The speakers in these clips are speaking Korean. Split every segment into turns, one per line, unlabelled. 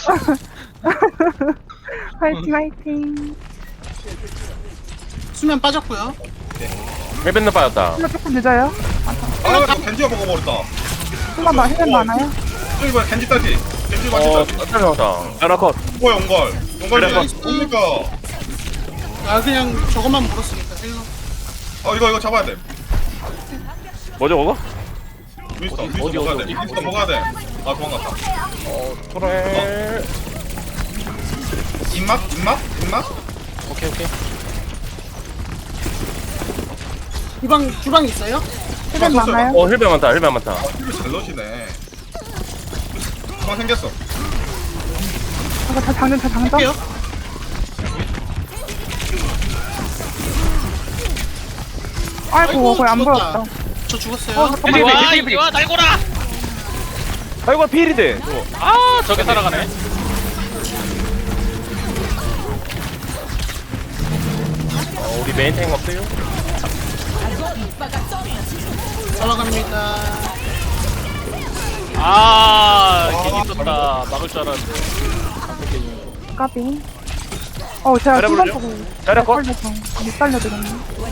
화이팅 화이팅.
수면 빠졌고요.
헬멧는 빠졌다.
이거 조금 늦어요.
아 겐지가 먹어버렸다.
순간 막 힐 많아요.
저기 뭐야 겐지 딸기. 겐지 맞지 딸기.
떨어졌다. 야나컷.
뭐야 온걸. 온걸이
그래.
뭡니까?
아 그냥 저것만 물었으니까 헬로.
이거 잡아야 돼.
뭐죠 그거?
윈스턴
어디,
먹어야 돼.
어디?
윈스턴 먹어야 돼. 아 도망갔다.
그래.
입맛?
오케이.
주방 있어요?
힐 많아요.
힐백 많다.
이거 잘 넣으시네. 도망 생겼어.
이거 다 장전 다 장전.
할게요.
아이고 거의 안
죽었다.
보였다.
저 죽었어요.
잠깐만.
와 이거 날고라.
아이고 필인데.
아 저게 살아가네.
우리 메인 탱 없어요?
올라갑니다.
아 괜히 떴다. 막을 줄 알았는데.
까비. 제가
잘해보죠.
순간 보고
잘해봐.
살려서 못 살려드렸네.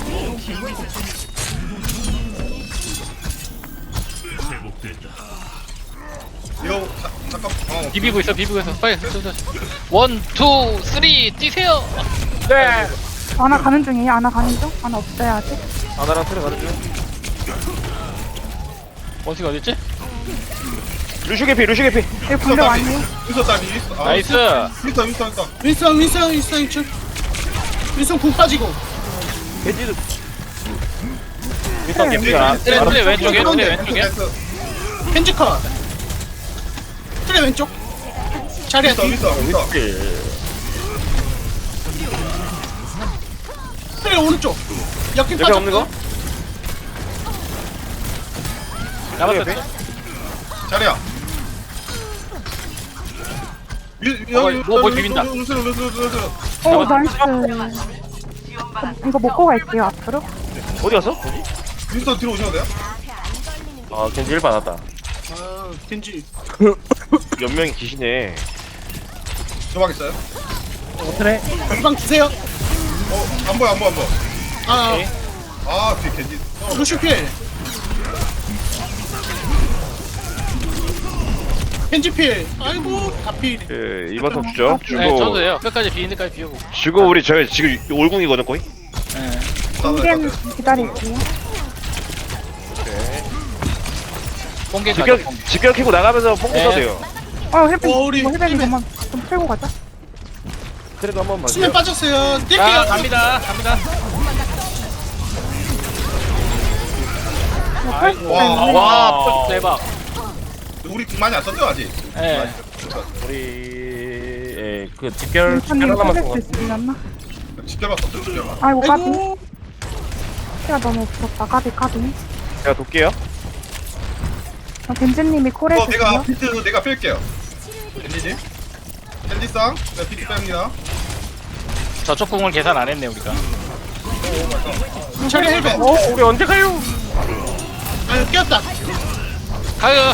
이거 잠깐.
비비고 있어. 빨리. 원, 투, 쓰리 뛰세요.
네.
아나 가는 중이에요. 아나 가는 중? 아나 없어요 아직.
아나랑 트레 가는 중.
원숭이 어딨지?
루슈 개피.
여기 공격 아니에요?
윈스턴 딸기. 윈스턴.
나이스.
윈스턴.
윈스턴 2층. 윈스턴 궁 빠지고.
겐지도.
네,
개피가.
트레 왼쪽에.
펜지 컷. 트레 왼쪽. 자리야 뒤.
윈스턴.
트레 오른쪽. 역행
옆에 없는 거?
빠졌고.
잡았어.
자리야.
뭐 비빈다.
루스.
나이스. 이거 먹고 갈게요 앞으로.
어디 갔어?
윈스턴 뒤로 오셔도 돼요?
아 겐지 1 받았다.
아 겐지.
연명이 기시네.
조막 있어요?
트레.
주방 주세요.
안 보여.
아
뒤 겐지.
루슈필. 펜지필. 아이고 다필.
그 이번 턴 주죠.
네, 저도
주고
돼요. 끝까지 비는 데까지 비우고.
주고 우리 저희 지금 올궁이거든 거의.
네.
공개는 기다릴게요.
공개 가죠.
직결 키고 나가면서 뽕
네.
써도 돼요.
힐백
우리
힐백
힐백.
이거만 좀 풀고 가자.
그래도 한번 봐주세요.
수면 빠졌어요.
자
뛸게요.
갑니다.
아이고.
와 대박.
우리 많이 안 썼죠 아직?
예.
우리 그 직결
민찬님
하나만
살릴
쓴
수
거.
있으려나?
직결만 썼죠 직결만.
아이고 까비.
아이고.
시가 너무 없었다. 까비.
제가 돕게요.
벤지님이 콜
내가
해주세요.
비트 내가 뺄게요. 겐지지? 겐지쌍 내가 비트 뺍니다.
저쪽 공을 계산 안 했네 우리가.
자리 헬벤.
우리 언제 가요?
아 꼈다.
가요.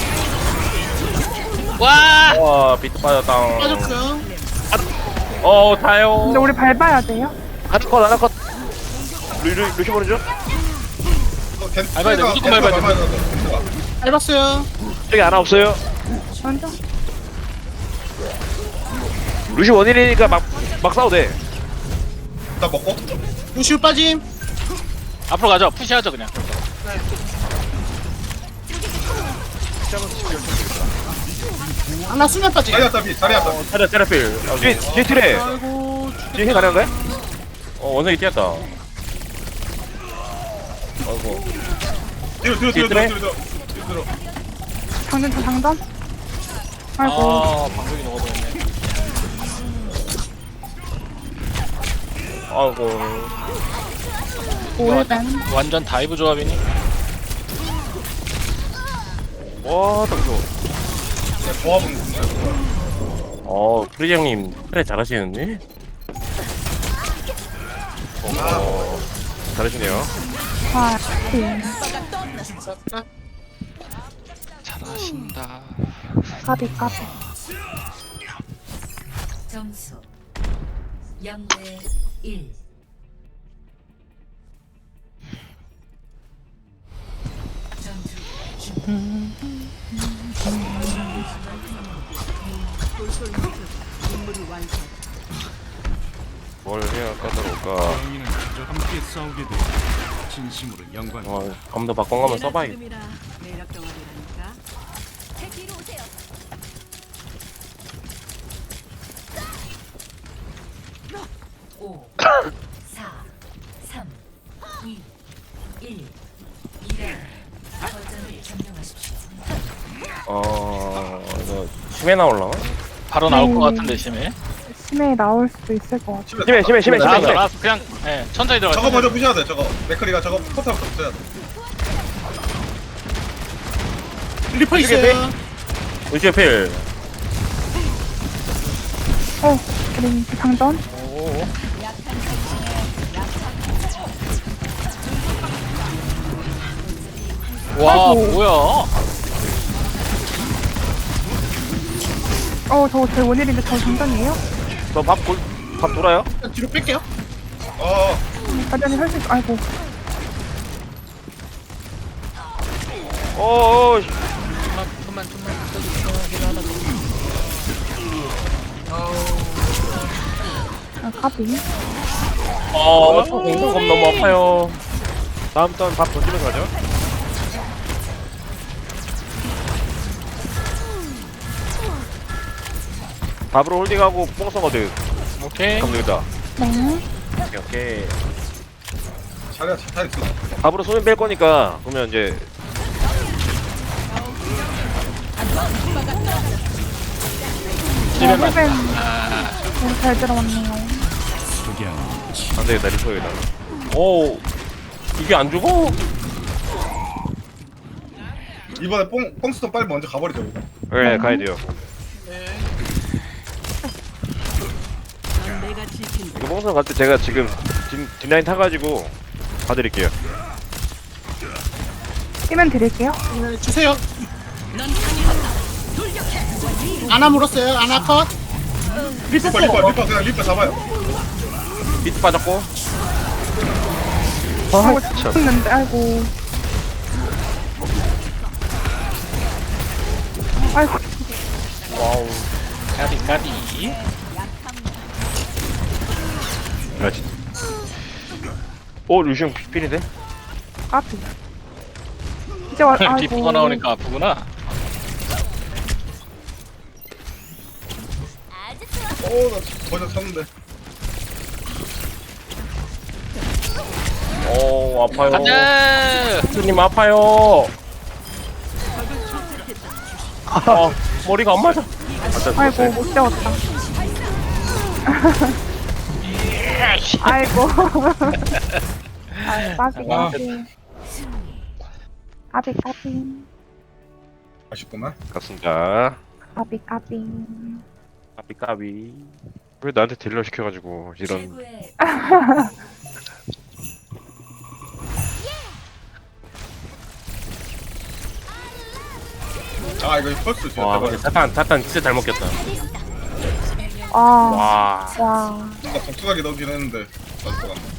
와.
와 비트 빠졌다.
빠졌어요.
타요.
근데 우리 밟아야 돼요.
하나 컷. 루시 보내줘.
밟아야 돼, 무조건 밟아야 돼.
밟았어요.
저기 하나 없어요.
먼저.
루시 원일이니까 막 싸워도 돼.
나 먹고.
루슈 빠짐.
앞으로 가죠. 푸시하죠 그냥.
하나 수면 빠짐.
자리야 따비.
테라필. 뒤에 트레.
아이고.
뒤에 힐 가능한가요? 원숭이 뛰었다. 아이고.
뒤로.
장전. 아이고.
아 방송이 녹아버렸네.
아이고.
오일벤.
완전 다이브 조합이니.
와, 딱 좋아.
조합은
프리즈 형님 트레 잘하시는데? 잘하시네요.
화이팅.
잘하신다.
까비.
점수 0대 1. 전투
뭘 해야 까다로울까?
정의는 그저 함께 싸우게 돼. 진심으로 영광.
검도 바꿔 가면 써봐야겠다.
매력 덩어리라니까.
제 뒤로 오세요. 오, 4, 3, 2, 1. 2라 거점을 점령하십시오.
이거 심해 나올라나?
바로 나올 것 같은데 심해.
심해 나올 수도 있을 것 같아.
심해.
알았어. 그냥 천천히 들어가.
저거 먼저 부셔야 돼. 저거 맥커리가 저거 포탑부터 부셔야 돼.
리퍼 있어요.
우주의 필.
그림 상전.
오. 와 뭐야?
저거 제 원일인데 저 상전이에요?
밥 돌아요?
일단 뒤로 뺄게요.
가전이 할수 있어. 아이고.
좀만 써주세요. 힐 하나 더.
까비.
공kom 너무 아파요. 다음 턴 밥 던지면서 가죠. 밥으로 홀딩하고 뽕 써거든.
오케이.
그럼 되겠다.
네.
오케이.
자리가 잘 있어.
밥으로 손을 뺄 거니까 그러면 이제
집에만.
힐벤 잘 들어왔네요.
안 되겠다. 리퍼에다. 오, 이게 안 죽어?
이번에 뽕스톤 빨리 먼저 가버리자 우리가.
네, 가야 돼요.
넌 내가 지킨다.
이거 뽕선 갈 때 제가 지금 뒷라인 타가지고 봐드릴게요.
뛰면 드릴게요.
네, 주세요. 아나 물었어요. 아나 컷. 리퍼
리퍼 그냥 리퍼 잡아요.
비트 빠졌고.
죽는데 아이고. 아이고.
와우.
까비.
그렇지. 오, 루시움 필인데?
까비. 이제 와. 아이고.
리프가 나오니까 아프구나.
나 거저 쳤는데.
오, 아파요.
안돼.
선생님 아파요. 머리가 안 맞아.
아이고 못 재웠다. 아이고. 까비 까비. 까비 까비.
아쉽구만.
갔습니다.
까비 까비.
까비. 왜 나한테 딜러 시켜가지고 이런.
최고의
이거 펄스 진짜
와,
대박.
근데 사탄 진짜 잘 먹겠다.
와.
와.
와.
뭔가 독특하게 넣긴 했는데. 맞을 것 같네.